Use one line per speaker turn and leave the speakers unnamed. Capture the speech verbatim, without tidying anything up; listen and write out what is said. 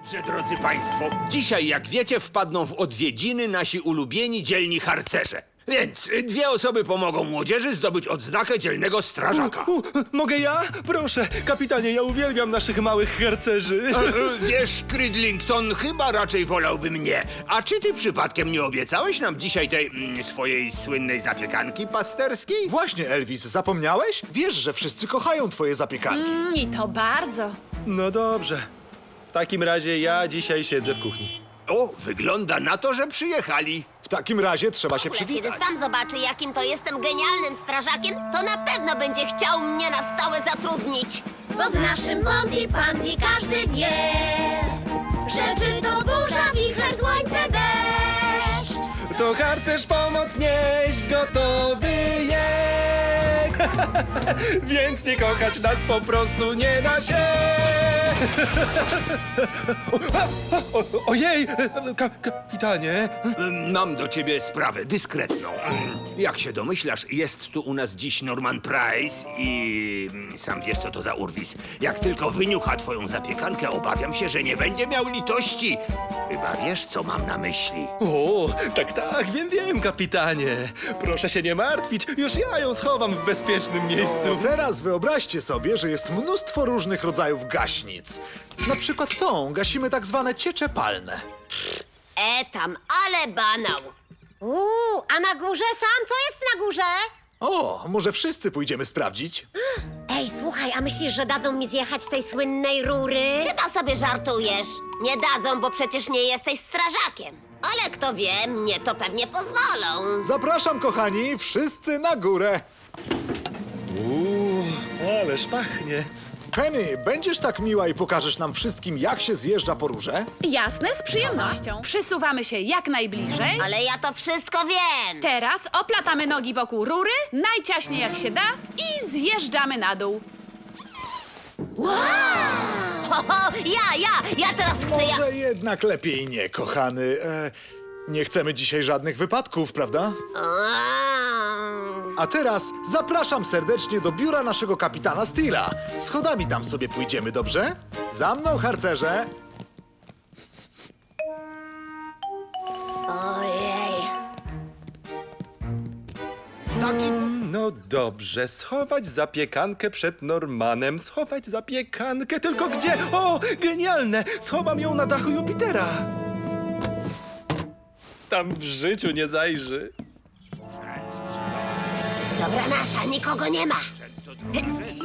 Dobrze, drodzy państwo, dzisiaj, jak wiecie, wpadną w odwiedziny nasi ulubieni dzielni harcerze. Więc y, dwie osoby pomogą młodzieży zdobyć odznakę dzielnego strażaka.
U, mogę ja? Proszę, kapitanie, ja uwielbiam naszych małych harcerzy.
E, e, Wiesz, Cridlington, chyba raczej wolałby mnie. A czy ty przypadkiem nie obiecałeś nam dzisiaj tej mm, swojej słynnej zapiekanki pasterskiej?
Właśnie, Elvis, zapomniałeś? Wiesz, że wszyscy kochają twoje zapiekanki.
I to bardzo.
No dobrze. W takim razie ja dzisiaj siedzę w kuchni.
O, wygląda na to, że przyjechali.
W takim razie trzeba się
Kiedy
przywitać.
sam zobaczy, jakim to jestem genialnym strażakiem, to na pewno będzie chciał mnie na stałe zatrudnić. Bo w naszym Monty Pandy każdy wie, że czy to burza, wicher, słońce, deszcz.
To harcerz pomoc nieść gotowy jest. Więc nie kochać nas po prostu nie da się. o, o, ojej, ka, kapitanie.
Ym, Mam do ciebie sprawę dyskretną. Ym, Jak się domyślasz, jest tu u nas dziś Norman Price i ym, sam wiesz, co to za urwis. Jak tylko wyniucha twoją zapiekankę, obawiam się, że nie będzie miał litości. Chyba wiesz, co mam na myśli.
O, tak, tak, wiem, wiem, kapitanie. Proszę się nie martwić, już ja ją schowam w bezpiecznym miejscu.
To teraz wyobraźcie sobie, że jest mnóstwo różnych rodzajów gaśnic. Na przykład tą gasimy tak zwane ciecze palne.
E tam, ale banał. Uuu, a na górze sam? Co jest na górze?
O, może wszyscy pójdziemy sprawdzić?
Ej, słuchaj, a myślisz, że dadzą mi zjechać z tej słynnej rury? Chyba sobie żartujesz. Nie dadzą, bo przecież nie jesteś strażakiem. Ale kto wie, mnie to pewnie pozwolą.
Zapraszam, kochani, wszyscy na górę.
Uuu, ależ pachnie.
Penny, będziesz tak miła i pokażesz nam wszystkim, jak się zjeżdża po rurze?
Jasne, z przyjemnością. Przysuwamy się jak najbliżej.
Ale ja to wszystko wiem.
Teraz oplatamy nogi wokół rury, najciaśniej jak się da i zjeżdżamy na dół.
Ho, ho, ja, ja, ja teraz chcę, ja...
Może jednak lepiej nie, kochany. E, nie chcemy dzisiaj żadnych wypadków, prawda? A teraz zapraszam serdecznie do biura naszego kapitana Steela. Schodami tam sobie pójdziemy, dobrze? Za mną, harcerze.
Ojej.
No dobrze, schować zapiekankę przed Normanem, schować zapiekankę, tylko gdzie? O, genialne! Schowam ją na dachu Jupitera. Tam w życiu nie zajrzy.
Dobra nasza, nikogo nie ma.